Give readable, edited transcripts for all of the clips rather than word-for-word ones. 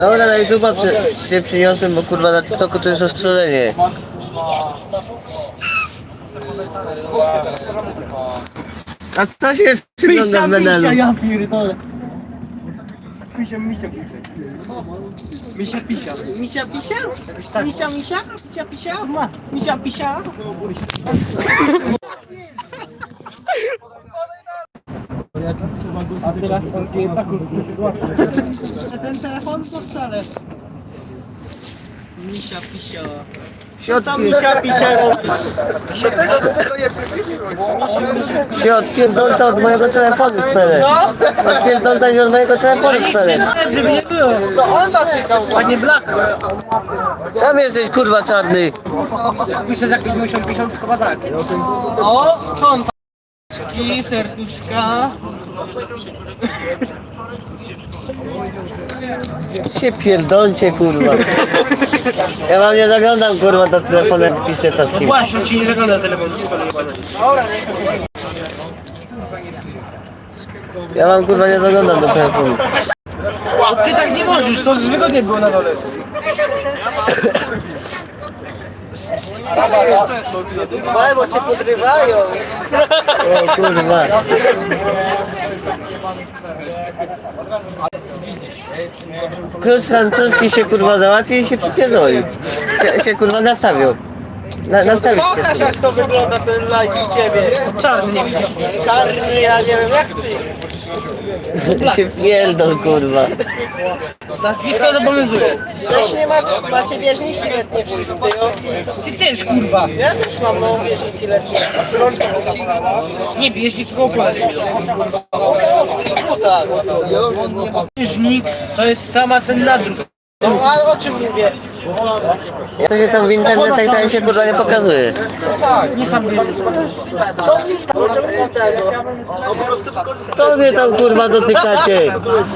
Dobra, na YouTube'a się przyniosłem, bo kurwa na TikToku to jest ostrzeżenie. A kto się przygląda w menelu? Ja pierdolę. Misia, misia, misia, pisia. Misia, pisia? Misia, misia? Misia, pisia? Misia, pisia? A teraz on dzieje taką sytuację. Ten telefon to wcale. Misia, pisia. Co tam misia, pisia robisz? Się odpierdolta od mojego telefonu, Felek. Odpierdolta się od mojego telefonu, Felek. Żeby nie było. No on zatykał. Panie Black. Sam jesteś kurwa czarny. Pisze z jakieś 50 chyba tak. O, są paczki, serduszka. Się pierdolcie kurwa. Ja wam nie zaglądam kurwa do telefonu, jak piszę taski. Właśnie, ci nie zagląda telefon. Ja wam kurwa nie zaglądam do telefonu. Ty tak nie możesz, to wygodnie było na dole. Bo się podrywają. O kurwa. Klucz francuski się kurwa załatwił i się przypierdolił. Się kurwa nastawił. Nastawić się. Pokaż jak to wygląda ten live u ciebie. Czarny nie widzisz. Czarny, ja nie wiem jak ty. Się pierdol kurwa. Nazwisko zobowiązuje. Też nie macie bieżniki letnie wszyscy, jo? Ty też kurwa. Ja też mam bieżniki letnie. Nie bieżnik, tylko opłaty. O, tak. Bieżnik to jest sama ten nadruk. No a o czym mówię? To się tam w internetach tam się kurwa nie pokazuje. Nie sam bieżnik. Ciągnij tego. Co wy tam kurwa dotykacie?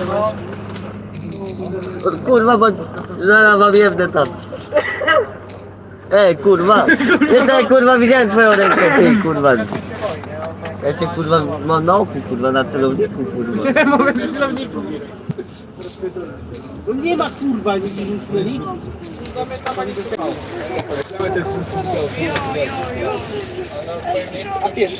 Kurwa, bo zaraz wam jebnę tam. Ej kurwa. Nie tak kurwa widziałem twoją rękę, ty kurwa. Ja cię kurwa mam na oku kurwa, na celowniku kurwa. Mamy celowniku. No nie ma kurwa, nie widzieli? A pierwszy.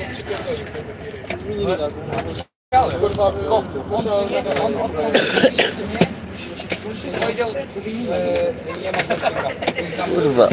Kurwa.